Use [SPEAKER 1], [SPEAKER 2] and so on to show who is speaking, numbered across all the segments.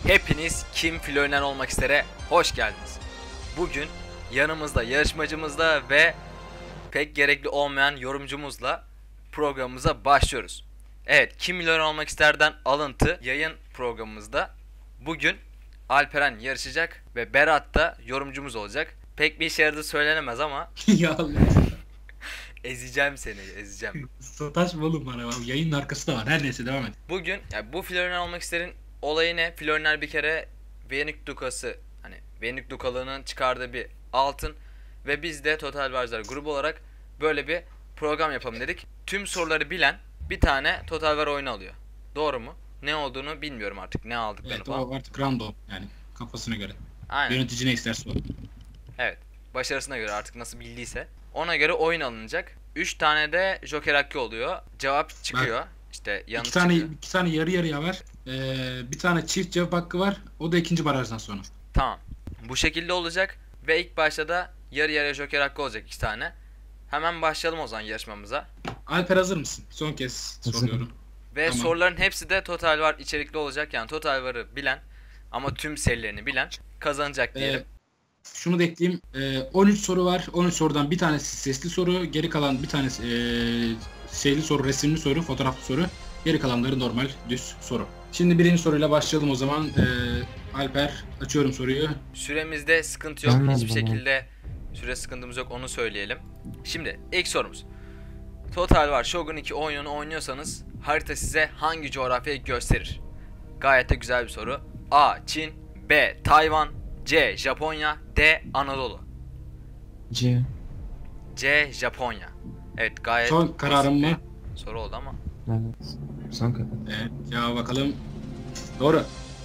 [SPEAKER 1] Hepiniz Kim Flörner olmak istere hoş geldiniz. Bugün yanımızda yarışmacımızla ve pek gerekli olmayan yorumcumuzla programımıza başlıyoruz. Evet, Kim Milyoner olmak isterden alıntı yayın programımızda. Bugün Alperen yarışacak ve Berat da yorumcumuz olacak. Pek bir işe yaradığı söylenemez ama
[SPEAKER 2] Ya Allah.
[SPEAKER 1] ezeceğim seni, ezeceğim.
[SPEAKER 2] Sataşma oğlum bana. Yayının arkası da var. Her neyse devam et.
[SPEAKER 1] Bugün bu Flörner olmak isterin olayı ne? Flörner bir kere Venik Dukası, hani Venik Dukalığının çıkardığı bir altın ve biz de Total War'lar grubu olarak böyle bir program yapalım dedik. Tüm soruları bilen bir tane Total War oyunu alıyor. Doğru mu? Ne olduğunu bilmiyorum artık, ne aldıklarını
[SPEAKER 2] Evet,
[SPEAKER 1] falan.
[SPEAKER 2] o artık random yani kafasına göre.
[SPEAKER 1] Aynen.
[SPEAKER 2] Yönetici ne isterse o.
[SPEAKER 1] Evet. Başarısına göre artık nasıl bildiyse. Ona göre oyun alınacak. 3 tane de Joker hakkı oluyor. Cevap çıkıyor. İşte yanıt çıkıyor.
[SPEAKER 2] İki tane yarı yarıya var. Bir tane çift cevap hakkı var. O da ikinci barajdan sonra.
[SPEAKER 1] Tamam. Bu şekilde olacak ve ilk başta da yarı yarıya Joker hakkı olacak 2 tane. Hemen başlayalım o zaman yarışmamıza.
[SPEAKER 2] Alper hazır mısın? Son kez soruyorum.
[SPEAKER 1] Ve
[SPEAKER 2] Tamam.
[SPEAKER 1] soruların hepsi de Total War içerikli olacak. Yani Total War'ı bilen ama tüm serilerini bilen kazanacak diyelim.
[SPEAKER 2] Şunu da ekleyeyim. 13 soru var. 13 sorudan bir tanesi sesli soru. Geri kalan bir tanesi şeyli soru, resimli soru, fotoğraflı soru. Geri kalanları normal düz soru. Şimdi birinci soruyla başlayalım o zaman. Alper, açıyorum soruyu.
[SPEAKER 1] Süremizde sıkıntı yok.
[SPEAKER 3] Gelmez
[SPEAKER 1] Hiçbir
[SPEAKER 3] bana.
[SPEAKER 1] şekilde süre sıkıntımız yok, onu söyleyelim. Şimdi ilk sorumuz. Total War Shogun 2 oyununu oynuyorsanız harita size hangi coğrafyayı gösterir? Gayet de güzel bir soru. A. Çin, B. Tayvan, C. Japonya, D. Anadolu.
[SPEAKER 3] C.
[SPEAKER 1] C. Japonya. Evet, gayet
[SPEAKER 2] Son kararım
[SPEAKER 1] basit
[SPEAKER 2] mı?
[SPEAKER 1] bir soru oldu ama.
[SPEAKER 3] Evet. Son karar.
[SPEAKER 2] Evet, cevaba bakalım. Doğru.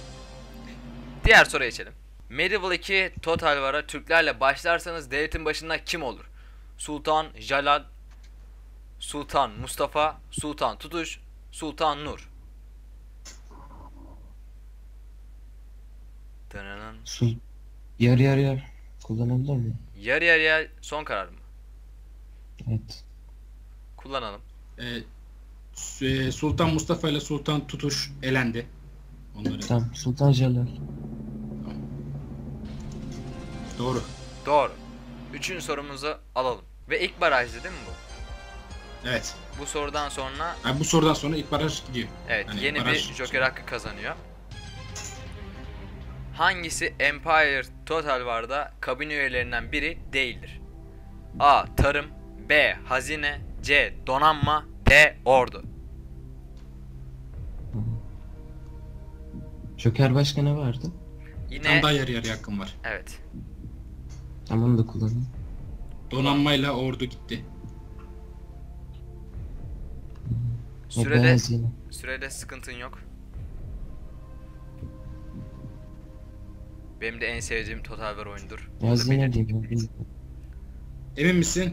[SPEAKER 1] Diğer soruya geçelim. Medieval 2 Total War'a Türklerle başlarsanız devletin başında kim olur? Sultan Jalal, Sultan Mustafa, Sultan Tutuş, Sultan Nur. Dınının.
[SPEAKER 3] Yarı yarıya kullanabilir miyim?
[SPEAKER 1] Yarı yarıya son karar mı?
[SPEAKER 3] Evet.
[SPEAKER 1] Kullanalım.
[SPEAKER 2] Sultan Mustafa ile Sultan Tutuş elendi. Onları.
[SPEAKER 3] Tamam. Sultan Jalal.
[SPEAKER 2] Doğru.
[SPEAKER 1] Doğru. Üçüncü sorumuzu alalım. Ve ilk barajdı değil mi bu?
[SPEAKER 2] Evet.
[SPEAKER 1] Bu sorudan sonra
[SPEAKER 2] Yani bu sorudan sonra ilk baraj gidiyor.
[SPEAKER 1] evet,
[SPEAKER 2] Hani
[SPEAKER 1] yeni bir
[SPEAKER 2] baraj-
[SPEAKER 1] Joker hakkı kazanıyor. Hangisi Empire Total War'da kabine üyelerinden biri değildir? A. Tarım, B. Hazine, C. Donanma, D. Ordu.
[SPEAKER 3] Joker başka ne vardı?
[SPEAKER 2] Tam
[SPEAKER 1] Yine
[SPEAKER 2] daha yarı yarıya hakkım var.
[SPEAKER 1] evet.
[SPEAKER 3] Tamam, onu da kullanayım.
[SPEAKER 2] Donanmayla ordu gitti.
[SPEAKER 3] O beyaz yine.
[SPEAKER 1] Sürede sıkıntın yok. Benim de en sevdiğim Total War oyundur.
[SPEAKER 3] Beyaz
[SPEAKER 1] Bunu
[SPEAKER 3] yine
[SPEAKER 1] belirteyim.
[SPEAKER 3] diyeyim.
[SPEAKER 2] Emin misin?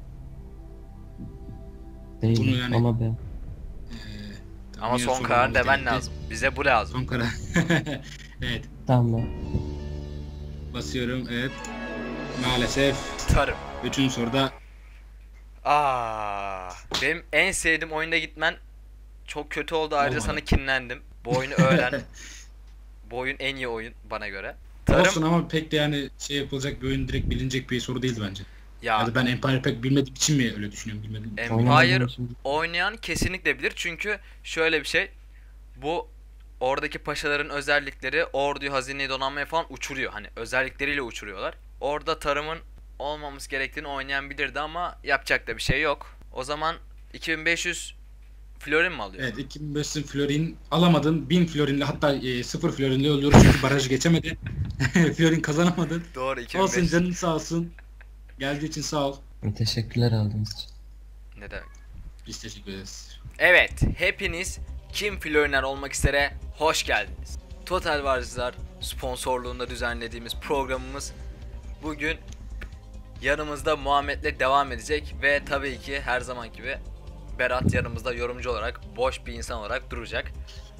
[SPEAKER 3] Değil
[SPEAKER 2] Bunu yani-
[SPEAKER 3] ama B.
[SPEAKER 2] Tamam,
[SPEAKER 1] Ama
[SPEAKER 2] yine
[SPEAKER 1] son
[SPEAKER 2] sorun
[SPEAKER 1] karar
[SPEAKER 2] oldu
[SPEAKER 1] demen
[SPEAKER 2] demek ki.
[SPEAKER 1] lazım. Bize bu lazım.
[SPEAKER 2] Son karar. Evet.
[SPEAKER 3] Tamam.
[SPEAKER 2] Basıyorum. Evet. Maalesef.
[SPEAKER 1] Tarım.
[SPEAKER 2] Üçüncü soruda
[SPEAKER 1] Benim en sevdiğim oyunda gitmen çok kötü oldu. Ayrıca
[SPEAKER 2] Olmadı.
[SPEAKER 1] sana kinlendim. Bu oyunu öğren. Bu oyun en iyi oyun bana göre.
[SPEAKER 2] olsun ama pek de yani şey yapılacak bir oyun, direkt bilinecek bir soru değildi bence.
[SPEAKER 1] Ya
[SPEAKER 2] Ya da ben Empire pek bilmediğim için mi öyle düşünüyorum, bilmedim.
[SPEAKER 1] Empire
[SPEAKER 3] Oynamadığım için-
[SPEAKER 1] oynayan kesinlikle bilir. Çünkü şöyle bir şey. Bu oradaki paşaların özellikleri orduyu, hazineyi, donanmayı falan uçuruyor. Hani özellikleriyle uçuruyorlar. Orada tarımın olmaması gerektiğini oynayan bilirdi ama yapacak da bir şey yok. O zaman 2500 florin mi alıyor?
[SPEAKER 2] Evet, 2500 florin alamadın. 1000 florinle, hatta 0 florinle ölüyoruz çünkü barajı geçemedi. Florin kazanamadın.
[SPEAKER 1] Doğru,
[SPEAKER 2] Olsun,
[SPEAKER 1] 2500.
[SPEAKER 2] canın sağ olsun. Geldiği için sağ ol.
[SPEAKER 3] Teşekkürler aldığınız için.
[SPEAKER 1] Ne demek?
[SPEAKER 2] Biz teşekkür ederiz.
[SPEAKER 1] Evet, hepiniz Kim Flörner olmak istere hoş geldiniz. Total War'lar sponsorluğunda düzenlediğimiz programımız bugün yanımızda Muhammed'le devam edecek ve tabii ki her zaman gibi Berat yanımızda yorumcu olarak, boş bir insan olarak duracak.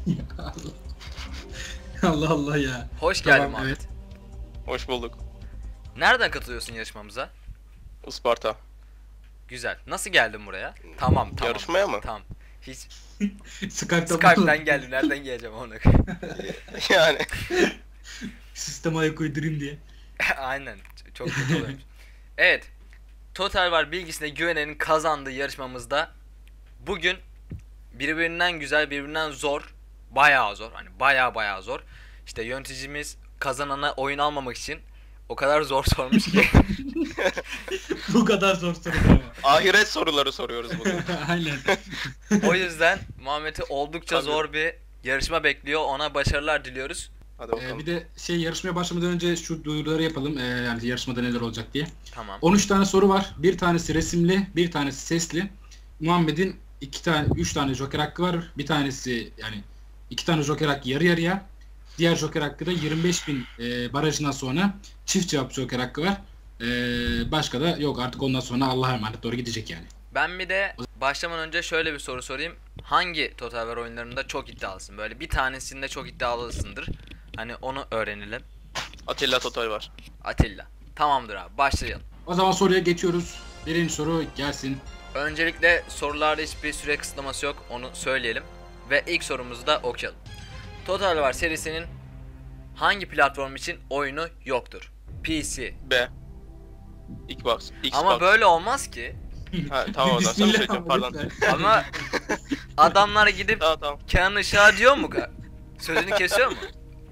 [SPEAKER 2] Allah Allah ya.
[SPEAKER 1] Hoş geldin
[SPEAKER 2] Tamam,
[SPEAKER 1] Muhammed.
[SPEAKER 2] evet.
[SPEAKER 4] Hoş bulduk.
[SPEAKER 1] Nereden katılıyorsun yarışmamıza?
[SPEAKER 4] Isparta.
[SPEAKER 1] Güzel. Nasıl geldin buraya? Tamam.
[SPEAKER 4] Yarışmaya mı?
[SPEAKER 1] Tamam. Hiç
[SPEAKER 2] Skype'dan
[SPEAKER 1] geldim. Nereden geleceğim onu?
[SPEAKER 4] Yani
[SPEAKER 2] sisteme ayak uydurayım diye.
[SPEAKER 1] Aynen. Çok kötü oluyormuş. Evet. Total War bilgisine güvenenin kazandığı yarışmamızda bugün birbirinden güzel, birbirinden zor, bayağı zor. Hani bayağı zor. İşte yöneticimiz kazanana oyun almamak için o kadar zor sormuş ki.
[SPEAKER 2] Bu kadar zor soru ama.
[SPEAKER 4] ahiret soruları soruyoruz bugün.
[SPEAKER 2] Aynen.
[SPEAKER 1] O yüzden Muhammed'i oldukça
[SPEAKER 4] Tabii.
[SPEAKER 1] zor bir yarışma bekliyor. Ona başarılar diliyoruz.
[SPEAKER 4] Hadi bakalım.
[SPEAKER 2] Bir de yarışmaya başlamadan önce şu duyuruları yapalım. Yani yarışmada neler olacak diye.
[SPEAKER 1] Tamam.
[SPEAKER 2] 13 tane soru var. Bir tanesi resimli, bir tanesi sesli. Muhammed'in 3 tane joker hakkı var. Bir tanesi yani 2 tane joker hakkı yarı yarıya. Diğer joker hakkı da 25.000 barajından sonra çift cevap joker hakkı var. Başka da yok artık ondan sonra Allah'a emanet doğru gidecek yani.
[SPEAKER 1] Ben bir de başlamadan önce şöyle bir soru sorayım. Hangi Total War oyunlarında çok iddialısın? Böyle bir tanesinde çok iddialısındır. Hani onu öğrenelim.
[SPEAKER 4] Atilla Total var.
[SPEAKER 1] Atilla. Tamamdır abi, başlayalım.
[SPEAKER 2] O zaman soruya geçiyoruz. Birinci soru gelsin.
[SPEAKER 1] Öncelikle sorularda hiçbir süre kısıtlaması yok. Onu söyleyelim. Ve ilk sorumuzu da okuyalım. Total War serisinin hangi platform için oyunu yoktur? PC.
[SPEAKER 4] B. Xbox.
[SPEAKER 1] Ama böyle olmaz ki.
[SPEAKER 4] Ha, tamam o zaman sana söyleyeceğim pardon.
[SPEAKER 2] lütfen.
[SPEAKER 1] Ama adamlar gidip
[SPEAKER 4] Tamam.
[SPEAKER 1] Kenan Işık'a diyor mu? Sözünü kesiyor mu?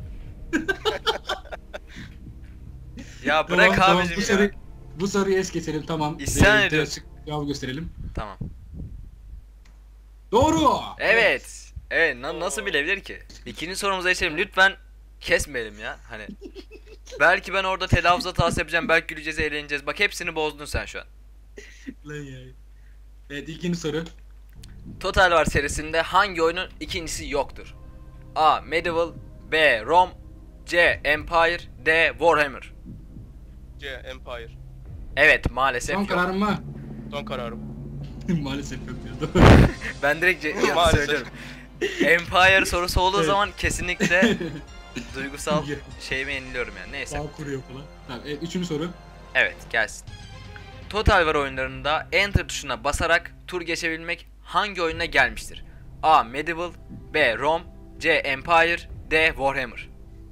[SPEAKER 1] Ya bırak
[SPEAKER 2] Tamam,
[SPEAKER 1] abicim ya.
[SPEAKER 2] bu soruyu es geçelim tamam.
[SPEAKER 1] İsyan
[SPEAKER 2] Direkt
[SPEAKER 1] ediyorum.
[SPEAKER 2] açık cevabı gösterelim.
[SPEAKER 1] Tamam.
[SPEAKER 2] Doğru.
[SPEAKER 1] Evet. Evet, nasıl bilebilir ki? İkinci sorumuza geçelim. Lütfen kesmeyelim ya. Hani belki ben orada telaffuz hatası yapacağım. Belki güleceğiz, eğleneceğiz. Bak hepsini bozdun sen şu an.
[SPEAKER 2] Lan ya. Evet ikinci soru.
[SPEAKER 1] Total War serisinde hangi oyunun ikincisi yoktur? A. Medieval, B. Rome, C. Empire, D. Warhammer.
[SPEAKER 4] C. Empire.
[SPEAKER 1] Evet, maalesef
[SPEAKER 2] Son
[SPEAKER 1] yok.
[SPEAKER 2] kararım mı?
[SPEAKER 4] Son kararım.
[SPEAKER 2] Maalesef yok diyordu.
[SPEAKER 1] Ben direkt yanıt
[SPEAKER 4] Maalesef.
[SPEAKER 1] söylüyorum. Empire sorusu olduğu zaman kesinlikle duygusal şeyimi yeniliyorum yani. Neyse.
[SPEAKER 2] Bağ kuruyor falan. Tamam, üçüncü soru.
[SPEAKER 1] Evet, gelsin. Total War oyunlarında Enter tuşuna basarak tur geçebilmek hangi oyuna gelmiştir? A. Medieval, B. Rome, C. Empire, D. Warhammer.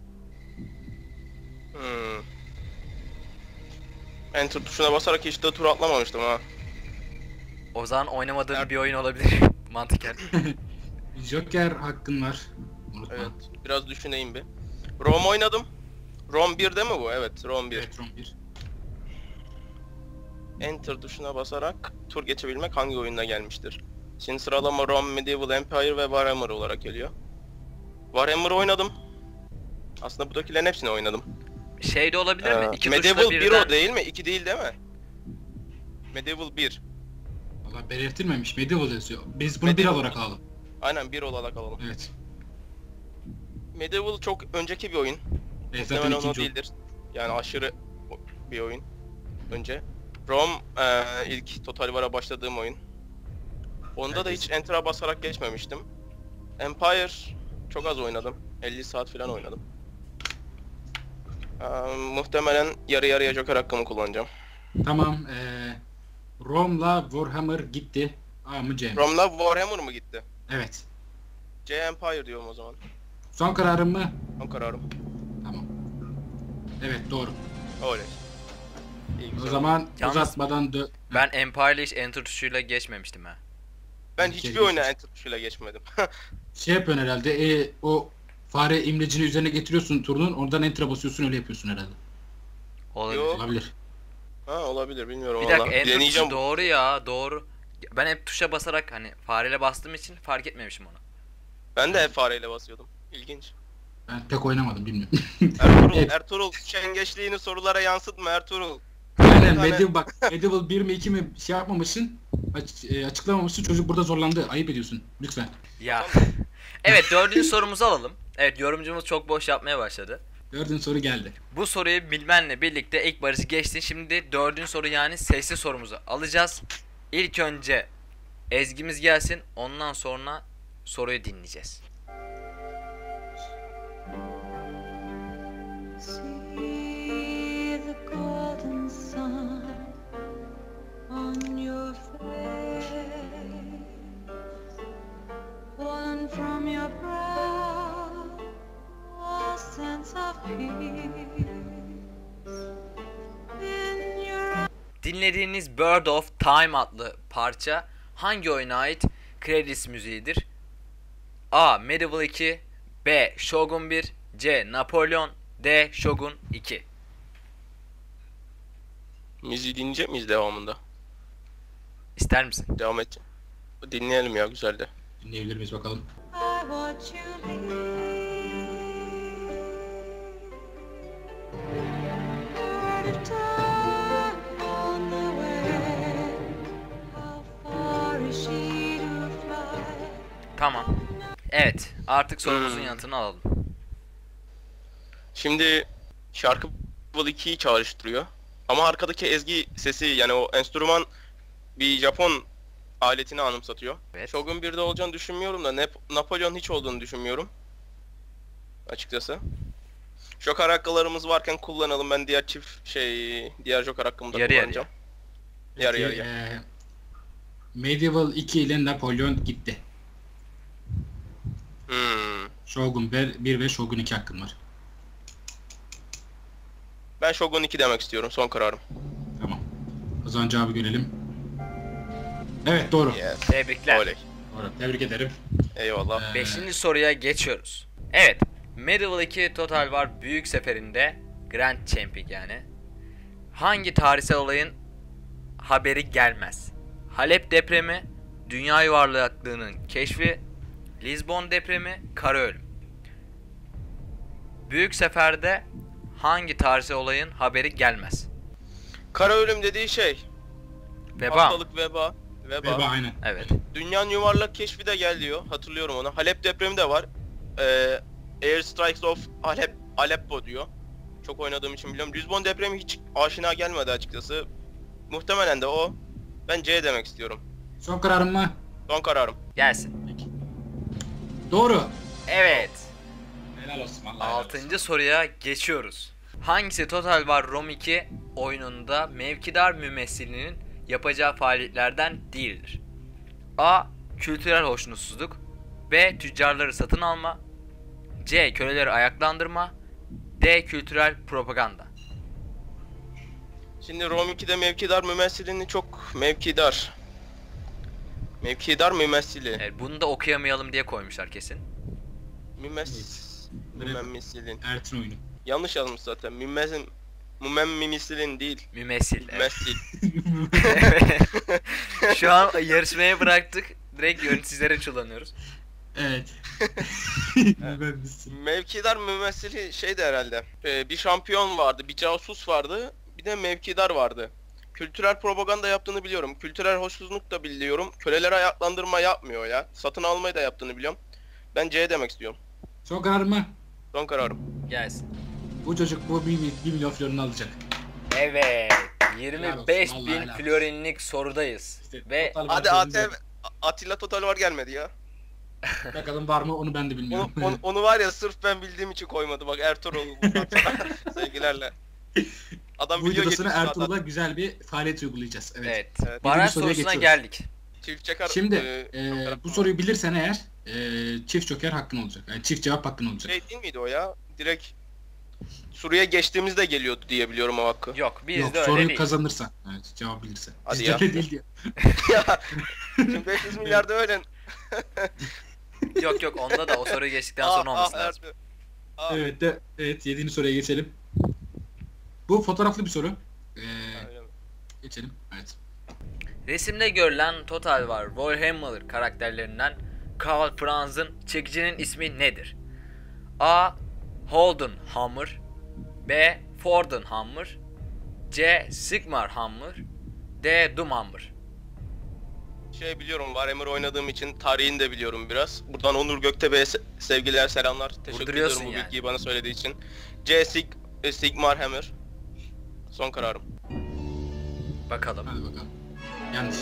[SPEAKER 4] Enter tuşuna basarak hiç de tur atlamamıştım ha.
[SPEAKER 1] O zaman oynamadığım bir oyun olabilir. Mantıken.
[SPEAKER 2] Joker hakkın var. Unutma.
[SPEAKER 4] Evet. Biraz düşüneyim bir. Rome oynadım. Rome 1'de mi bu? Evet, Rome 1.
[SPEAKER 2] Evet, Rom 1.
[SPEAKER 4] Enter tuşuna basarak tur geçebilmek hangi oyuna gelmiştir? Şimdi sıralama Rome, Medieval, Empire ve Warhammer olarak geliyor. Warhammer oynadım. Aslında buradakilerin hepsini oynadım.
[SPEAKER 1] Şey de olabilir mi? İki
[SPEAKER 4] Medieval
[SPEAKER 1] tuşla
[SPEAKER 4] 1
[SPEAKER 1] birden...
[SPEAKER 4] o değil mi? 2 değil mi? Medieval 1.
[SPEAKER 2] Valla belirtilmemiş. Medieval yazıyor. Biz bunu
[SPEAKER 4] Medieval.
[SPEAKER 2] 1 olarak alalım.
[SPEAKER 4] Aynen 1 olarak alalım.
[SPEAKER 2] Evet.
[SPEAKER 4] Medieval çok önceki bir oyun.
[SPEAKER 2] Evet zaten
[SPEAKER 4] Muhtemelen o
[SPEAKER 2] ikinci
[SPEAKER 4] değildir. Yani aşırı bir oyun. Önce. Rome ilk Total War'a başladığım oyun. Onda da
[SPEAKER 2] Evet.
[SPEAKER 4] hiç Enter'a basarak geçmemiştim. Empire çok az oynadım. 50 saat falan oynadım. Muhtemelen yarı yarıya Joker hakkımı kullanacağım.
[SPEAKER 2] Tamam. Rome'la Warhammer gitti. A mı C mi?
[SPEAKER 4] Rome'la Warhammer mı gitti?
[SPEAKER 2] Evet.
[SPEAKER 4] C Empire diyorum o zaman.
[SPEAKER 2] Son kararım mı?
[SPEAKER 4] Son kararım.
[SPEAKER 2] Tamam. Evet doğru.
[SPEAKER 4] Oley. İyi,
[SPEAKER 2] O
[SPEAKER 4] güzel.
[SPEAKER 2] zaman
[SPEAKER 1] Yalnız
[SPEAKER 2] uzatmadan
[SPEAKER 1] Ben Empire'le hiç Enter tuşuyla geçmemiştim ha.
[SPEAKER 4] Ben
[SPEAKER 2] bir
[SPEAKER 4] hiçbir
[SPEAKER 2] kere
[SPEAKER 4] oyuna
[SPEAKER 2] geçmiş.
[SPEAKER 4] Enter tuşuyla geçmedim.
[SPEAKER 2] şey yapıyorsun herhalde. O fare imlecini üzerine getiriyorsun turunun. Oradan enter'a basıyorsun öyle yapıyorsun herhalde.
[SPEAKER 1] Olabilir.
[SPEAKER 4] Yok.
[SPEAKER 2] Olabilir.
[SPEAKER 4] Ha olabilir bilmiyorum
[SPEAKER 1] Bir
[SPEAKER 4] valla.
[SPEAKER 1] dakika, Enter
[SPEAKER 4] Deneyeceğim.
[SPEAKER 1] tuşu doğru ya, doğru. Ben hep tuşa basarak hani fareyle bastığım için fark etmemişim onu.
[SPEAKER 4] Ben de hep fareyle basıyordum. İlginç.
[SPEAKER 2] Ben pek oynamadım bilmiyorum.
[SPEAKER 4] Ertuğrul,
[SPEAKER 2] Evet.
[SPEAKER 4] Ertuğrul şengeçliğini sorulara yansıtma Ertuğrul.
[SPEAKER 2] Aynen
[SPEAKER 4] tane-
[SPEAKER 2] Medieval 1 mi 2 mi şey yapmamışsın. Açıklamamışsın. Çocuk burada zorlandı. Ayıp ediyorsun. Lütfen.
[SPEAKER 1] Ya. Evet, dördüncü sorumuzu alalım. Evet, yorumcumuz çok boş yapmaya başladı.
[SPEAKER 2] Dördüncü soru geldi.
[SPEAKER 1] Bu soruyu bilmenle birlikte ilk barajı geçtin. Şimdi dördüncü soru yani sesli sorumuzu alacağız. İlk önce ezgimiz gelsin. Ondan sonra soruyu dinleyeceğiz.
[SPEAKER 5] See the golden sun on your face. In your
[SPEAKER 1] Dinlediğiniz Bird of Time adlı parça hangi oyuna ait Credits müziğidir? A. Medieval 2, B. Shogun 1, C. Napolyon, D. Shogun 2.
[SPEAKER 4] Müziği dinleyecek miyiz devamında?
[SPEAKER 1] İster misin?
[SPEAKER 4] Devam et. Dinleyelim ya, güzeldi.
[SPEAKER 2] Dinleyebilir miyiz bakalım?
[SPEAKER 5] I watch you leave. Out of time on the way. How far is she to fly?
[SPEAKER 1] Tamam. Evet, artık sorumuzun yanıtını alalım.
[SPEAKER 4] Şimdi şarkı Level 2'yi çağrıştırıyor. Ama arkadaki ezgi sesi, yani o enstrüman bir Japon aletini anımsatıyor.
[SPEAKER 1] Evet.
[SPEAKER 4] Shogun 1'de olacağını düşünmüyorum da Napolyon hiç olduğunu düşünmüyorum. Açıkçası. Joker hakkılarımız varken kullanalım. Ben diğer Joker hakkımı da
[SPEAKER 1] Yarı yarıya.
[SPEAKER 4] kullanacağım. Yarı
[SPEAKER 2] Peki,
[SPEAKER 4] yarıya.
[SPEAKER 2] Medieval 2 ile Napolyon gitti. Shogun 1 ve Shogun 2 hakkın var.
[SPEAKER 4] Ben Shogun 2 demek istiyorum. Son kararım.
[SPEAKER 2] Tamam. O zaman cevabı görelim. Evet, doğru.
[SPEAKER 4] Yes.
[SPEAKER 1] Tebrikler.
[SPEAKER 4] Oley.
[SPEAKER 2] Doğru. Tebrik ederim.
[SPEAKER 4] Eyvallah.
[SPEAKER 1] 5. soruya geçiyoruz. Evet, Medieval 2 Total War Büyük Seferi'nde Grand Champion yani. Hangi tarihsel olayın haberi gelmez? Halep depremi, dünya yuvarlaklığının keşfi, Lizbon depremi, kara ölüm. Büyük Sefer'de hangi tarihsel olayın haberi gelmez?
[SPEAKER 4] Kara ölüm dediği şey.
[SPEAKER 1] Veba.
[SPEAKER 4] Hastalık, veba.
[SPEAKER 2] Veba aynen.
[SPEAKER 1] Evet.
[SPEAKER 4] Dünyanın yuvarlak keşfi de gel diyor. Hatırlıyorum onu. Halep depremi de var. Air Strikes of Aleppo diyor. Çok oynadığım için biliyorum. Lizbon depremi hiç aşina gelmedi açıkçası. Muhtemelen de o. Ben C demek istiyorum.
[SPEAKER 2] Son kararım mı?
[SPEAKER 4] Son kararım.
[SPEAKER 1] Gelsin.
[SPEAKER 2] Peki. Doğru.
[SPEAKER 1] Evet.
[SPEAKER 2] Helal olsun vallahi. helal olsun.
[SPEAKER 1] 6. soruya geçiyoruz. Hangisi Total War Rome 2 oyununda mevkidar mümessilinin yapacağı faaliyetlerden değildir? A. Kültürel hoşnutsuzluk, B. Tüccarları satın alma, C. Köleleri ayaklandırma, D. Kültürel propaganda.
[SPEAKER 4] Şimdi Rome 2'de mevkidar mümessilini çok mevkidar. Mevkidar mümessili.
[SPEAKER 1] Evet, bunu da okuyamayalım diye koymuşlar kesin.
[SPEAKER 4] Mümessilin.
[SPEAKER 2] Ertin oyunu.
[SPEAKER 4] Yanlış yazmış zaten. Mümessilin değil.
[SPEAKER 1] Mümessil. Evet.
[SPEAKER 4] Mümessil.
[SPEAKER 1] Şu an yarışmaya bıraktık. Direkt yöneticileri kullanıyoruz.
[SPEAKER 2] Evet. Ben misin?
[SPEAKER 4] Mevkidar mümessili şeydi herhalde. Bir şampiyon vardı, bir casus vardı, bir de mevkidar vardı. Kültürel propaganda yaptığını biliyorum. Kültürel hoşnutsuzluk da biliyorum. Köleleri ayaklandırma yapmıyor ya. Satın almayı da yaptığını biliyorum. Ben C demek istiyorum.
[SPEAKER 2] Son kararım mı?
[SPEAKER 4] Son kararım.
[SPEAKER 1] Gelsin.
[SPEAKER 2] Bu çocuk bu 1 milyon florini alacak.
[SPEAKER 1] Evet.
[SPEAKER 2] Helal olsun,
[SPEAKER 1] 25
[SPEAKER 2] vallahi
[SPEAKER 1] bin
[SPEAKER 2] helal olsun.
[SPEAKER 1] florinlik sorudayız.
[SPEAKER 2] İşte
[SPEAKER 1] Ve
[SPEAKER 2] total
[SPEAKER 4] Hadi
[SPEAKER 2] var,
[SPEAKER 4] ATV Atilla Total var gelmedi ya.
[SPEAKER 2] bakalım var mı onu ben de bilmiyorum.
[SPEAKER 4] Onu var ya, sırf ben bildiğim için koymadı. Bak Ertuğrul sevgilerle. Adam
[SPEAKER 2] Bu
[SPEAKER 4] video
[SPEAKER 2] videosuna
[SPEAKER 4] getirmiş
[SPEAKER 2] Ertuğrul'a
[SPEAKER 4] zaten.
[SPEAKER 2] güzel bir faaliyet uygulayacağız. Evet.
[SPEAKER 1] evet.
[SPEAKER 4] Evet.
[SPEAKER 1] Baraj
[SPEAKER 2] soruya
[SPEAKER 1] sorusuna
[SPEAKER 2] geçiyoruz.
[SPEAKER 1] geldik.
[SPEAKER 4] Çift çakar.
[SPEAKER 2] Şimdi
[SPEAKER 4] Joker
[SPEAKER 2] bu soruyu bilirsen eğer çift joker hakkın olacak. Yani çift cevap hakkın olacak.
[SPEAKER 4] şey değil miydi o ya? Direkt Suriye geçtiğimizde geliyordu diye biliyorum o hakkı.
[SPEAKER 1] Yok bizde
[SPEAKER 2] Yok,
[SPEAKER 1] öyle
[SPEAKER 2] soruyu
[SPEAKER 1] değil.
[SPEAKER 2] kazanırsan. Evet, cevap bilirsen.
[SPEAKER 4] Hadi
[SPEAKER 2] Bizde
[SPEAKER 4] ya.
[SPEAKER 2] öyle değil diyor.
[SPEAKER 4] Ya şimdi 500 milyarda öyle.
[SPEAKER 1] Yok onda da o soruyu geçtikten sonra olması lazım.
[SPEAKER 4] Ertuğrul. Aa,
[SPEAKER 2] Evet 7. soruya geçelim. Bu fotoğraflı bir soru.
[SPEAKER 4] öyle mi?
[SPEAKER 2] Geçelim. Evet.
[SPEAKER 1] Resimde görülen Total War Warhammer karakterlerinden Karl Franz'ın çekicinin ismi nedir? A. Holden Hammer, B. Forden Hammer, C. Sigmar Hammer, D. Doomhammer.
[SPEAKER 4] Şey biliyorum, Warhammer oynadığım için tarihini de biliyorum biraz. Buradan Onur Göktepe'ye sevgiler, selamlar. Teşekkür
[SPEAKER 1] Vurduruyorsun
[SPEAKER 4] ediyorum bu
[SPEAKER 1] yani.
[SPEAKER 4] bilgiyi bana söylediği için. C. Sigmar Hammer. Son kararım.
[SPEAKER 1] Bakalım.
[SPEAKER 2] Hadi bakalım. Yanlış.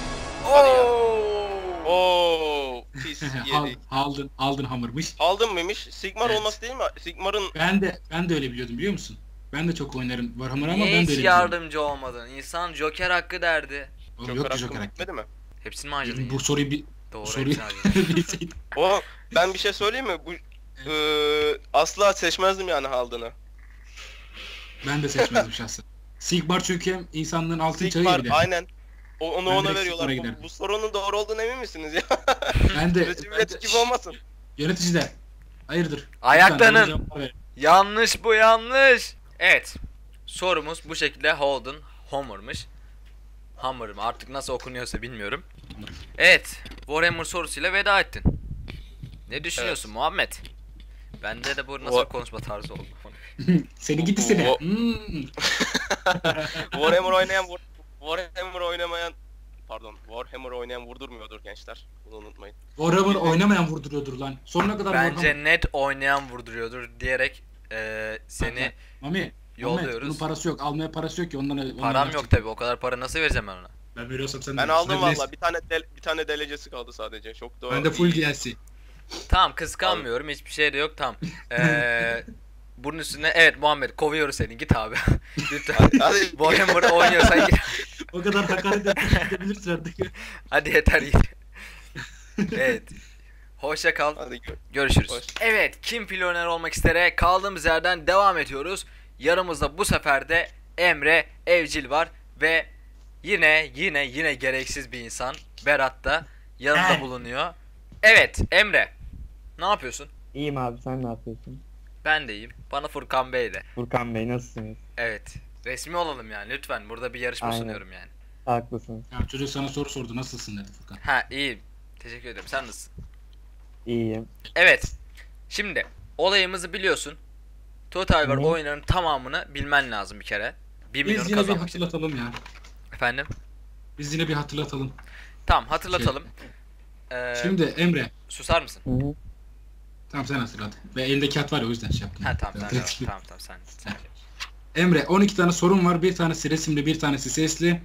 [SPEAKER 4] Oo, pis yedi.
[SPEAKER 2] Alden Hammer'mış.
[SPEAKER 4] Aldın mıymış? Sigmar
[SPEAKER 2] Evet.
[SPEAKER 4] olması değil mi? Sigmar'ın
[SPEAKER 2] Ben de öyle biliyordum, biliyor musun? Ben de çok oynarım Warhammer ama
[SPEAKER 1] Niye
[SPEAKER 2] ben de
[SPEAKER 1] hiç
[SPEAKER 2] öyle biliyordum.
[SPEAKER 1] yardımcı olmadın? İnsan Joker hakkı derdi.
[SPEAKER 2] Oğlum,
[SPEAKER 4] Joker
[SPEAKER 2] yok ki
[SPEAKER 4] hakkım
[SPEAKER 2] Joker hakkı.
[SPEAKER 4] bitmedi mi?
[SPEAKER 1] Hepsini mi harcadın ya?
[SPEAKER 2] Bu soruyu
[SPEAKER 1] Doğru
[SPEAKER 2] soruyu
[SPEAKER 1] hepsini harcadın.
[SPEAKER 2] bilseydim.
[SPEAKER 4] O ben bir şey söyleyeyim mi? Bu Asla seçmezdim yani Haldun'u.
[SPEAKER 2] Ben de seçmezdim şahsen. Sigmar çünkü hem insanlığın altın çağı
[SPEAKER 4] Sigmar
[SPEAKER 2] gibi.
[SPEAKER 4] aynen. Onu
[SPEAKER 2] Ben
[SPEAKER 4] ona
[SPEAKER 2] direkt
[SPEAKER 4] veriyorlar.
[SPEAKER 2] Sigmar'a giderim.
[SPEAKER 4] Bu sorunun doğru olduğunu emin misiniz ya?
[SPEAKER 2] Ben de
[SPEAKER 4] Recep gibi olmasın.
[SPEAKER 2] yöneticiler. Hayırdır?
[SPEAKER 1] Ayaklanın.
[SPEAKER 2] Lütfen, doğru cevap verin.
[SPEAKER 1] Yanlış bu, yanlış. Evet. Sorumuz bu şekilde Holden Homer'mış. Hammer mı artık nasıl okunuyorsa bilmiyorum. Evet. Warhammer sorusuyla veda ettin. Ne düşünüyorsun Muhammed? Bende de bu nasıl bir konuşma tarzı oldu.
[SPEAKER 2] Seni gidi seni.
[SPEAKER 4] O-
[SPEAKER 2] Hmm.
[SPEAKER 4] Warhammer oynayan vurdurmuyordur gençler. Bunu unutmayın.
[SPEAKER 2] Warhammer oynamayan vurduruyordur lan. Sonuna kadar
[SPEAKER 1] Bence
[SPEAKER 2] Warhammer.
[SPEAKER 1] net oynayan vurduruyordur diyerek seni
[SPEAKER 2] Mami.
[SPEAKER 1] yolluyoruz.
[SPEAKER 2] Bunun parası yok. Almaya parası yok ki ondan.
[SPEAKER 1] param yok tabi, o kadar para nasıl vereceğim ben ona?
[SPEAKER 2] Ben veriyorsam sen de
[SPEAKER 4] Ben
[SPEAKER 2] ver.
[SPEAKER 4] aldım
[SPEAKER 2] Sen de-
[SPEAKER 4] valla. Bir tane delecesi kaldı sadece. Çok doğru.
[SPEAKER 2] Ben de full DLC.
[SPEAKER 1] Tamam, kıskanmıyorum, hiçbir şey de yok, tamam. Bunun üstüne evet Muhammed, kovuyoruz seni, git abi. Lütfen.
[SPEAKER 4] Hadi.
[SPEAKER 1] Warhammer oynuyorsan git.
[SPEAKER 2] O kadar hakaret edebilirsin artık.
[SPEAKER 1] Hadi yeter git. Evet. Hoşça kal.
[SPEAKER 4] Hadi
[SPEAKER 1] Görüşürüz.
[SPEAKER 4] Hoş.
[SPEAKER 1] Evet, kim milyoner olmak istere kaldığımız yerden devam ediyoruz. Yanımızda bu sefer de Emre Evcil var ve yine gereksiz bir insan Berat da yanında bulunuyor. Evet Emre, ne yapıyorsun?
[SPEAKER 3] İyiyim abi, sen ne yapıyorsun?
[SPEAKER 1] Ben de iyiyim. Bana Furkan Bey de.
[SPEAKER 3] Furkan Bey nasılsınız?
[SPEAKER 1] Evet. Resmi olalım yani lütfen. Burada bir yarışma
[SPEAKER 3] Aynen.
[SPEAKER 1] sunuyorum yani.
[SPEAKER 3] Haklısınız.
[SPEAKER 2] Ya çocuk sana soru sordu. Nasılsın dedi Furkan.
[SPEAKER 1] Ha, iyiyim. Teşekkür ederim. Sen nasılsın?
[SPEAKER 3] İyiyim.
[SPEAKER 1] Evet. Şimdi olayımızı biliyorsun. Total War
[SPEAKER 3] Hı.
[SPEAKER 1] oyunların tamamını bilmen lazım bir kere. 1
[SPEAKER 2] Biz
[SPEAKER 1] milyonu
[SPEAKER 2] yine bir
[SPEAKER 1] kazanmak için.
[SPEAKER 2] hatırlatalım ya.
[SPEAKER 1] Efendim?
[SPEAKER 2] Biz yine bir hatırlatalım.
[SPEAKER 1] Tamam, hatırlatalım.
[SPEAKER 2] Şimdi Emre.
[SPEAKER 1] Susar mısın?
[SPEAKER 3] Hı hı.
[SPEAKER 2] Tamam sen hatırlat. Ve elinde kağıt var ya o yüzden şey yaptım.
[SPEAKER 1] Ha tamam tamam sen.
[SPEAKER 2] Emre 12 tane sorun var. Bir tanesi resimli, bir tanesi sesli.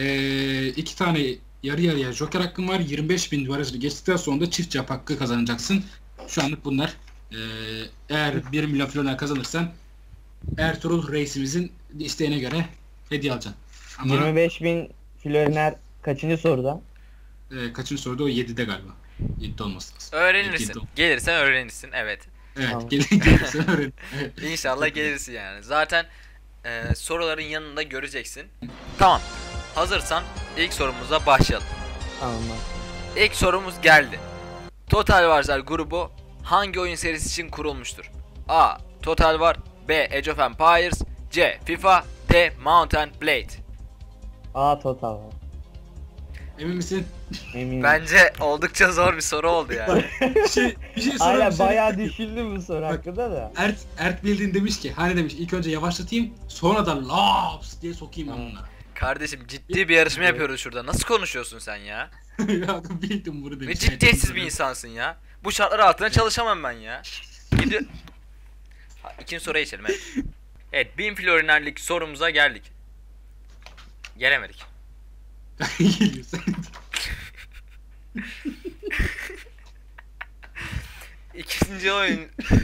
[SPEAKER 2] 2 tane yarı yarıya joker hakkın var. 25.000 barajı geçtikten sonra da çift cevap hakkı kazanacaksın. Şu anlık bunlar. Eğer 1 milyon filoner kazanırsan Ertuğrul reisimizin isteğine göre hediye alacaksın. Ama
[SPEAKER 3] 25.000 floriner kaçıncı soruda?
[SPEAKER 2] kaçıncı soruda o 7'de galiba. 7'de olması lazım.
[SPEAKER 1] Öğrenirsin.
[SPEAKER 2] Yedi.
[SPEAKER 1] Gelirsen öğrenirsin. Evet.
[SPEAKER 2] Evet,
[SPEAKER 3] Tamam.
[SPEAKER 2] gelirsen öğren. Evet.
[SPEAKER 1] İnşallah gelirsin yani. Zaten soruların yanında göreceksin. Tamam. Hazırsan ilk sorumuza başlayalım.
[SPEAKER 3] Tamam.
[SPEAKER 1] İlk sorumuz geldi. Total Wars'lar grubu hangi oyun serisi için kurulmuştur? A. Total War, B. Age of Empires, C. FIFA, D. Mount and Blade.
[SPEAKER 3] A total var.
[SPEAKER 2] Emin misin?
[SPEAKER 3] Eminim.
[SPEAKER 1] Bence oldukça zor bir soru oldu yani.
[SPEAKER 2] Bir şey
[SPEAKER 3] Aynen
[SPEAKER 2] sorayım.
[SPEAKER 3] bayağı düşündüm bu soru hakkında da.
[SPEAKER 2] Ert bildiğin demiş ki hani demiş ilk önce yavaşlatayım sonra da laps diye sokayım ben bunlara.
[SPEAKER 1] Kardeşim ciddi bir yarışma yapıyoruz şurada. Nasıl konuşuyorsun sen ya?
[SPEAKER 2] Ya bildim bunu demiş.
[SPEAKER 1] Ne ciddiyetsiz bir insansın ya. Bu şartlar altında çalışamam ben ya. Gidiyor. İkinci soruya geçelim evet. Evet, 1000 florinerlik sorumuza geldik. Gelemedik.
[SPEAKER 2] Geliyorsun.
[SPEAKER 1] İkinci oyun.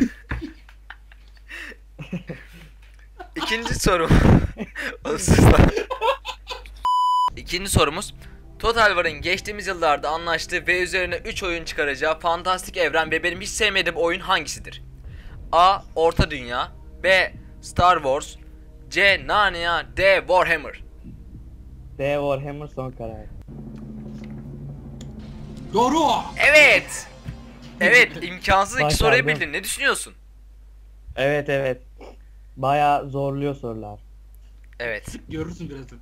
[SPEAKER 1] İkinci soru. Oğlum sus lan. İkinci sorumuz. Total War'ın geçtiğimiz yıllarda anlaştığı ve üzerine 3 oyun çıkaracağı fantastik evren ve benim hiç sevmediğim oyun hangisidir? A. Orta Dünya, B. Star Wars, C. Narnia, D. Warhammer.
[SPEAKER 3] D Warhammer son karar.
[SPEAKER 2] Doğru.
[SPEAKER 1] Evet. Evet, imkansız iki soruyu
[SPEAKER 3] Başardım.
[SPEAKER 1] bildin. Ne düşünüyorsun?
[SPEAKER 3] Evet. Bayağı zorluyor sorular.
[SPEAKER 1] Evet.
[SPEAKER 2] Görürsün birazdan.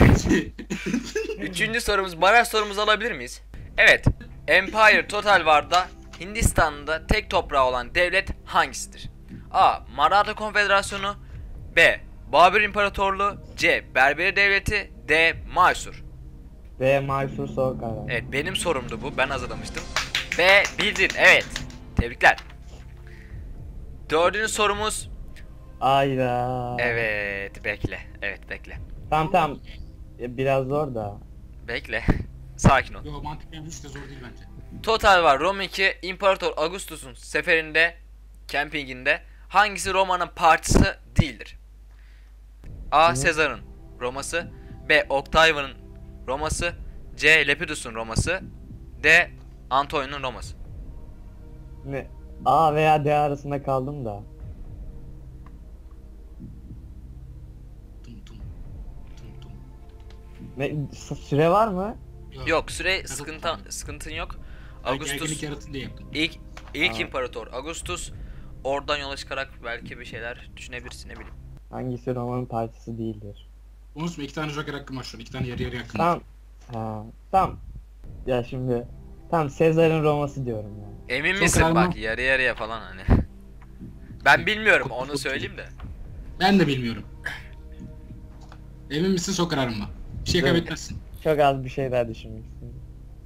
[SPEAKER 1] Üçüncü sorumuz, baraj sorumuzu alabilir miyiz? Evet. Empire Total War'da Hindistan'da tek toprağı olan devlet hangisidir? A. Maratha Konfederasyonu, B. Babür İmparatorluğu, C. Berberi Devleti, D. Mysur.
[SPEAKER 3] D Mysore son karar.
[SPEAKER 1] Evet, benim sorumdu bu. Ben hazırlamıştım. B. Bildin. Evet. Tebrikler. Dördüncü sorumuz.
[SPEAKER 3] Ayda.
[SPEAKER 1] Evet. Bekle. Evet, bekle.
[SPEAKER 3] Tamam. Biraz zor da.
[SPEAKER 1] Bekle. Sakin ol.
[SPEAKER 2] Yo mantıken hiç de zor değil bence.
[SPEAKER 1] Total War Rome 2 İmparator Augustus'un seferinde, campinginde hangisi Roma'nın partisi değildir? A. Sezar'ın Roması, B. Octavian'ın Roması, C. Lepidus'un Roması, D. Antonio'nun Roması.
[SPEAKER 3] Ne? A veya D arasında kaldım da.
[SPEAKER 2] Tum tum. Tum tum.
[SPEAKER 3] Süre var mı?
[SPEAKER 1] Yok, süre sıkıntın yok.
[SPEAKER 2] Gerginlik
[SPEAKER 1] Ağustos
[SPEAKER 2] yaratın diye yaptım.
[SPEAKER 1] ilk
[SPEAKER 3] Aa.
[SPEAKER 1] imparator Augustus. Oradan yola çıkarak belki bir şeyler düşünebilirsin, ne bileyim.
[SPEAKER 3] Hangisi Roma'nın parçası değildir?
[SPEAKER 2] Unutma 2 tane joker hakkım var şu an. 2 tane yarı yarı hakkım var.
[SPEAKER 3] Tamam. Ha, tamam. Ya şimdi tam Sezar'ın Roma'sı diyorum ya.
[SPEAKER 1] Emin
[SPEAKER 2] Çok
[SPEAKER 1] misin
[SPEAKER 2] kararlı.
[SPEAKER 1] bak, yarı yarıya falan hani. Ben bilmiyorum, onu söyleyeyim de.
[SPEAKER 2] Ben de bilmiyorum. Emin misin, sok kararın mı? Bir şey
[SPEAKER 3] Evet.
[SPEAKER 2] kaybetmezsin.
[SPEAKER 3] Çok az bir şey daha düşünmek istedim.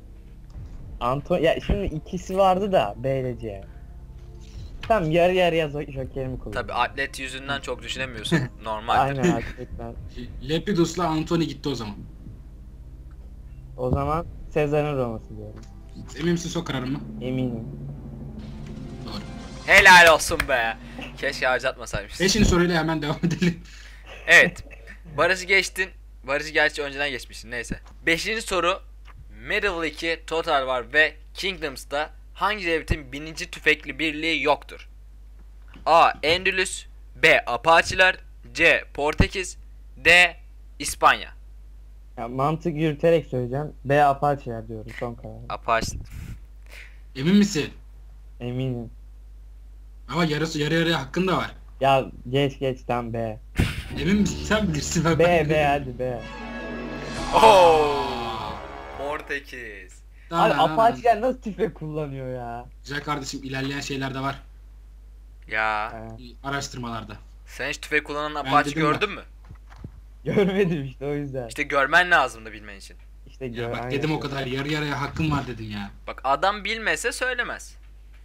[SPEAKER 3] Ya şimdi ikisi vardı da B ile C. Tamam yarı yarıya jokerimi kullan.
[SPEAKER 1] Tabi atlet yüzünden çok düşünemiyorsun. Normaldir.
[SPEAKER 3] Aynen gerçekten.
[SPEAKER 2] Lepidus'la Antony gitti o zaman.
[SPEAKER 3] O zaman Sezar'ın Roma'sı diyorum.
[SPEAKER 2] Emin misin, sok kararın mı?
[SPEAKER 3] Eminim.
[SPEAKER 2] Doğru.
[SPEAKER 1] Helal olsun be. Keşke harcatmasaymışsın.
[SPEAKER 2] 5. soruyla hemen devam edelim.
[SPEAKER 1] Evet. Barış'ı geçtin. Barış'ı gerçi önceden geçmişsin, neyse. 5. soru. Medieval 2, Total War ve Kingdoms'ta hangi devletin bininci tüfekli birliği yoktur? A. Endülüs, B. Apache'ler, C. Portekiz, D. İspanya.
[SPEAKER 3] Ya mantık yürüterek söyleyeceğim. B Apache'ler diyorum son karar.
[SPEAKER 1] Apache.
[SPEAKER 2] Emin misin?
[SPEAKER 3] Eminim.
[SPEAKER 2] Ama yarı yarıya hakkın da var.
[SPEAKER 3] Ya geç tam B.
[SPEAKER 2] Emin misin? Sen bilirsin. Ben
[SPEAKER 3] B hadi B.
[SPEAKER 1] Oo. Portekiz.
[SPEAKER 3] Abi Apache'ler nasıl tüfek kullanıyor ya?
[SPEAKER 2] Güzel kardeşim, ilerleyen şeyler de var.
[SPEAKER 1] Ya
[SPEAKER 3] Ha,
[SPEAKER 2] Araştırmalarda.
[SPEAKER 1] sen hiç tüfek kullanan
[SPEAKER 2] Ben
[SPEAKER 1] Apache
[SPEAKER 2] dedim ya.
[SPEAKER 1] gördün mü?
[SPEAKER 3] görmedim işte o yüzden.
[SPEAKER 1] İşte görmen lazımdı bilmen için.
[SPEAKER 3] İşte
[SPEAKER 2] Ya bak
[SPEAKER 3] aynen.
[SPEAKER 2] dedim o kadar, yarı yarıya hakkım var dedim ya.
[SPEAKER 1] Bak adam bilmese söylemez.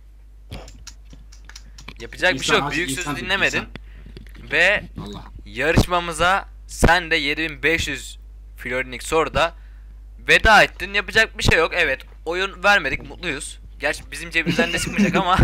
[SPEAKER 1] Yapacak bir
[SPEAKER 2] İnsan
[SPEAKER 1] şey yok.
[SPEAKER 2] aç-
[SPEAKER 1] Büyük
[SPEAKER 2] insan
[SPEAKER 1] sözü
[SPEAKER 2] değil,
[SPEAKER 1] dinlemedin.
[SPEAKER 2] insan.
[SPEAKER 1] Ve
[SPEAKER 2] Allah.
[SPEAKER 1] yarışmamıza sen de 7500 florinlik soruda veda ettin. Yapacak bir şey yok. Evet, oyun vermedik, mutluyuz. Gerçi bizim cebimizden de çıkmayacak ama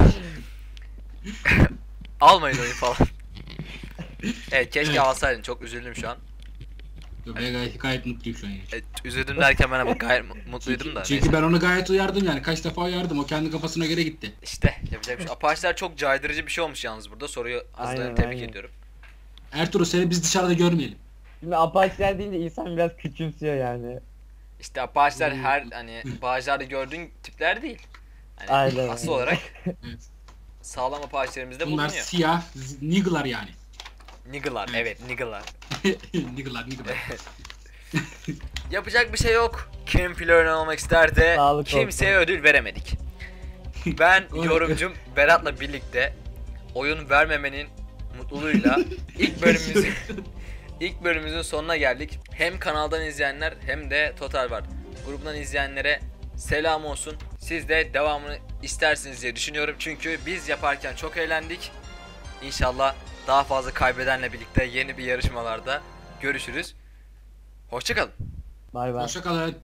[SPEAKER 1] almayın oyun falan. Evet, keşke
[SPEAKER 2] Evet.
[SPEAKER 1] alsaydın. Çok üzüldüm şu an.
[SPEAKER 2] Ben gayet mutluyum şu an. Yani.
[SPEAKER 1] Evet, üzüldüm derken ben ama gayet mutluydum da.
[SPEAKER 2] Çünkü
[SPEAKER 1] Neyse.
[SPEAKER 2] ben onu gayet uyardım yani. Kaç defa uyardım. O kendi kafasına göre gitti.
[SPEAKER 1] İşte yapacak bir şey. Apache'ler çok caydırıcı bir şey olmuş yalnız burada. Soruyu hazırlayanı
[SPEAKER 3] Aynen,
[SPEAKER 1] tebrik
[SPEAKER 3] aynen.
[SPEAKER 1] ediyorum.
[SPEAKER 2] Ertuğrul, seni biz dışarıda görmeyelim.
[SPEAKER 3] Şimdi Apache'ler deyince insan biraz küçümsüyor yani.
[SPEAKER 1] İşte Apache'ler her hani bağcılarda gördüğün tipler değil. Hani
[SPEAKER 3] Aynen,
[SPEAKER 1] asıl
[SPEAKER 3] aynen.
[SPEAKER 1] olarak
[SPEAKER 2] Evet.
[SPEAKER 1] sağlam Apache'lerimizde
[SPEAKER 2] Bunlar
[SPEAKER 1] bulunuyor.
[SPEAKER 2] siyah niggler yani.
[SPEAKER 1] Niggle'lar, evet niggle'lar.
[SPEAKER 2] Niggler.
[SPEAKER 1] Yapacak bir şey yok. Kim flörün olmak ister de
[SPEAKER 3] Sağlık
[SPEAKER 1] kimseye
[SPEAKER 3] olsun.
[SPEAKER 1] ödül veremedik. Ben
[SPEAKER 2] Oy.
[SPEAKER 1] yorumcum Berat'la birlikte oyun vermemenin mutluluğuyla ilk bölümümüzün sonuna geldik. Hem kanaldan izleyenler hem de Total War grubundan izleyenlere selam olsun. Siz de devamını istersiniz diye düşünüyorum. Çünkü biz yaparken çok eğlendik. İnşallah daha fazla kaybedenle birlikte yeni bir yarışmalarda görüşürüz. Hoşça kalın.
[SPEAKER 3] Bay bay.
[SPEAKER 2] Hoşça kalın.